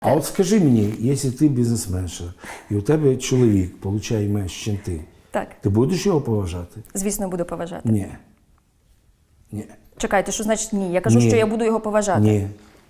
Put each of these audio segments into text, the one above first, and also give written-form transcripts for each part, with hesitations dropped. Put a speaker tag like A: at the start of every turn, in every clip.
A: А от скажи мені, якщо ти бізнесменша, і у тебе чоловік отримує менше, ніж ти,
B: Так.
A: ти будеш його поважати?
B: Звісно, буду поважати.
A: Ні. Ні.
B: Чекайте, що значить ні? Я кажу,
A: Ні.
B: що я буду його поважати.
A: Ні.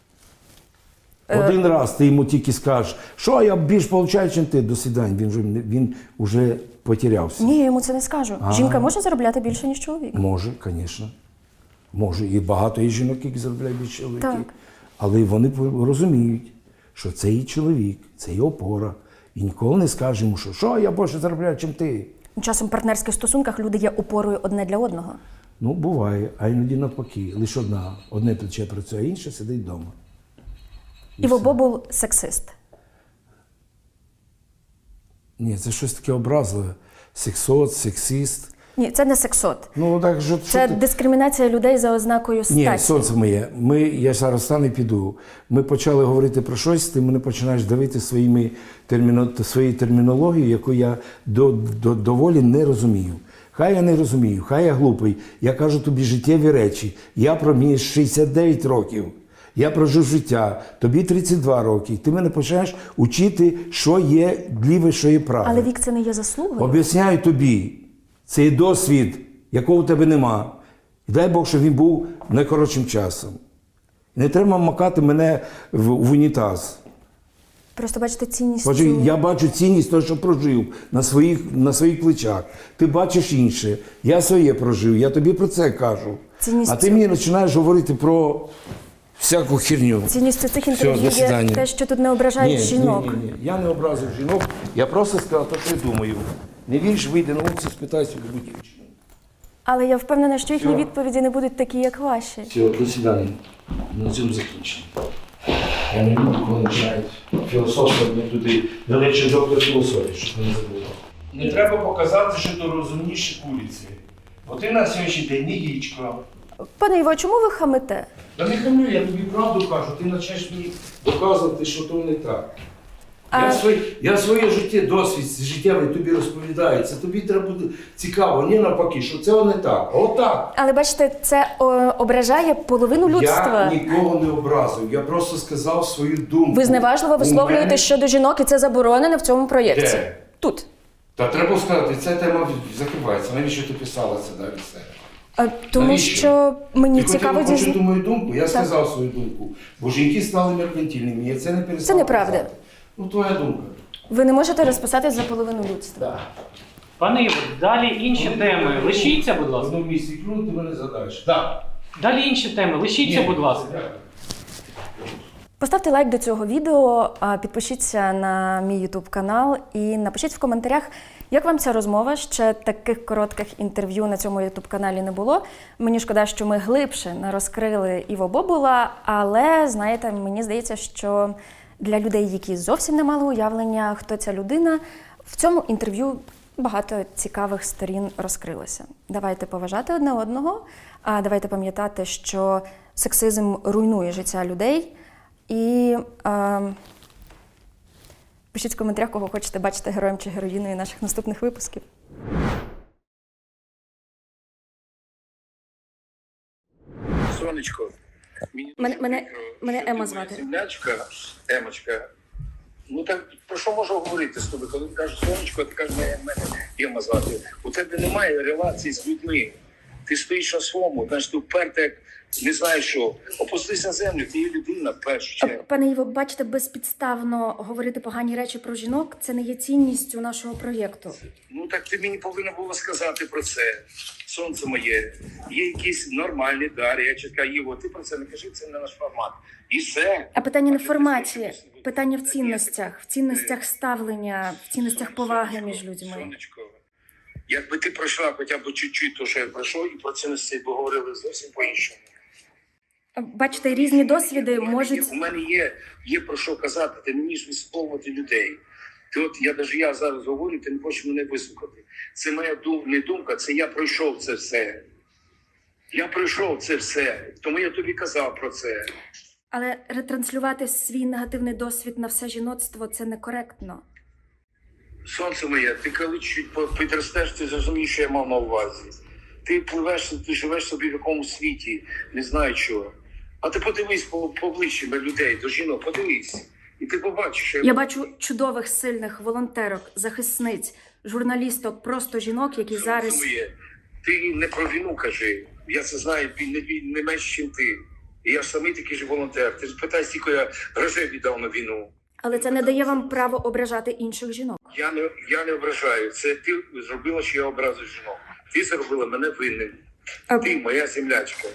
A: Один раз ти йому тільки скажеш, що я більш получаю, ніж ти, до свидання. Він вже потерявся.
B: Ні, я йому це не скажу. Жінка може заробляти більше, ніж чоловік?
A: Може, звісно. Може. І багато є жінок, які заробляють більше чоловіків.
B: Так.
A: Але вони розуміють, що це її чоловік, це її опора. І ніколи не скаже йому, що я більше заробляю, ніж ти.
B: Часом в партнерських стосунках люди є опорою одне для одного.
A: Ну, буває, а іноді навпаки. Лише одне плече працює, а інше сидить вдома.
B: Іво Бобул – сексист.
A: Ні, це щось таке образливе. Сексот, сексист.
B: Ні, це не сексот.
A: Ну, так, що
B: Це
A: ти...
B: дискримінація людей за ознакою статі.
A: Ні, сонце моє, я зараз стану і піду. Ми почали говорити про щось, ти мене починаєш давити своєю термінологією, яку я доволі не розумію. Хай я не розумію, хай я глупий. Я кажу тобі життєві речі. Я проміг 69 років. Я прожив життя, тобі 32 роки. Ти мене починаєш учити, що є ліве, що є праве.
B: Але вік – це не є заслугою.
A: Об'ясняю тобі, це є досвід, якого у тебе нема. І дай Бог, щоб він був найкоротшим часом. Не треба макати мене в унітаз.
B: Просто бачите цінність.
A: Отже, я бачу цінність того, що прожив на своїх плечах. Ти бачиш інше. Я своє прожив, я тобі про це кажу.
B: Цінність
A: А ти мені починаєш говорити про всяку херню.
B: Цінністю цих інтерв'ю є те, що тут не ображають жінок.
A: Ні. Я не образив жінок, я просто сказав те, що я думаю. Не віриш, вийди на вулицю, спитайся у будь-яку дівчину.
B: Але я впевнена, що їхні
A: Все.
B: відповіді не будуть такі, як ваші.
A: Все, до свидання. На цьому закінчимо. Я не люблю, коли починають філософствувати мені туди величий доктор філософії, щоб ви не забули. Не треба показати, що ти розумніші куриці. Бо ти на сьогоднішній день не яєчко.
B: Пане Іво, чому ви хамите?
A: Та не хамлю, я тобі правду кажу, ти почнеш мені доказувати, що то не так. Я своє життя, досвід життєвий тобі розповідаю. Це тобі треба бути цікаво, не навпаки, що це не так, а отак.
B: Але бачите, це ображає половину людства.
A: Я нікого не образив, я просто сказав свою думку.
B: Ви зневажливо висловлюєте щодо жінок, і це заборонено в цьому проєкті.
A: Де?
B: Тут.
A: Та треба сказати, ця тема закривається. Навіщо ти писала це далі все?
B: Тому
A: Навіщо?
B: що мені
A: Ти
B: цікаво
A: хотіла почути
B: дізнатися.
A: мою думку? Я сказав свою думку. Бо жінки стали меркантильними, я це не перестав.
B: Це неправда.
A: казати. Ну, твоя думка.
B: Ви не можете розписатись за половину людства.
A: Так.
C: Пане Іво, далі інші теми. Лишіться, будь
A: В
C: ласка.
A: одному місці клюнути, ти мене задаєш. Так.
C: Далі інші теми. Лишіться, будь ласка.
B: Поставте лайк до цього відео, підпишіться на мій YouTube канал і напишіть в коментарях, як вам ця розмова. Ще таких коротких інтерв'ю на цьому YouTube каналі не було. Мені шкода, що ми глибше не розкрили Іво Бобула, але, знаєте, мені здається, що для людей, які зовсім не мали уявлення, хто ця людина, в цьому інтерв'ю багато цікавих сторін розкрилося. Давайте поважати одне одного, давайте пам'ятати, що сексизм руйнує життя людей. І пишіть в коментарях, кого хочете бачити героєм чи героїною наших наступних випусків.
D: Сонечко,
B: Мене Ема звати.
D: Землячка, Емочка. Ну так про що можу говорити з тобою? Коли ти кажеш сонечко, ти кажеш, мене Ема звати. У тебе немає релації з людьми. Ти стоїш на своєму, знаєш, ти вперто, як не знаєш що. Опустись на землю, ти є людина в першу чергу.
B: Пане Іво, бачите, безпідставно говорити погані речі про жінок – це не є цінністю нашого проєкту.
D: Ну так ти мені повинна була сказати про це. Сонце моє, є якийсь нормальний дар. Я чекаю, Іво, ти про це не кажи, це не наш формат. І все.
B: А питання не в форматі, питання в цінностях ставлення, в цінностях поваги між людьми.
D: Сонечко, якби ти пройшла хоча б чуть-чуть, то що я пройшов, і про цінності поговорили зовсім по-іншому.
B: Бачите, різні досвіди можуть...
D: У мене є про що казати, ти не вмієш висловлювати людей. Ти от, я зараз говорю, ти не хочеш мене вислухати. Це моя не думка, це я пройшов це все. Я пройшов це все, тому я тобі казав про це.
B: Але ретранслювати свій негативний досвід на все жіноцтво – це некоректно.
D: Сонце моє, ти коли чуть підростеш, ти зрозумієш, що я мав на увазі. Ти пливеш, ти живеш собі в якомусь світі, не знаю чого. А ти подивись по обличчям людей, до жінок, подивись. І ти побачиш, що
B: Я бачу чудових, сильних волонтерок, захисниць, журналісток, просто жінок, які зараз...
D: Своє. Ти не про війну кажи. Я це знаю не менш, ніж ти. І я самий такий же волонтер. Ти ж питай, скільки я грошей віддав на війну.
B: Але це не дає вам право ображати інших жінок.
D: Я не ображаю. Це ти зробила, що я образив жінок. Ти зробила мене винним. Ти моя землячка.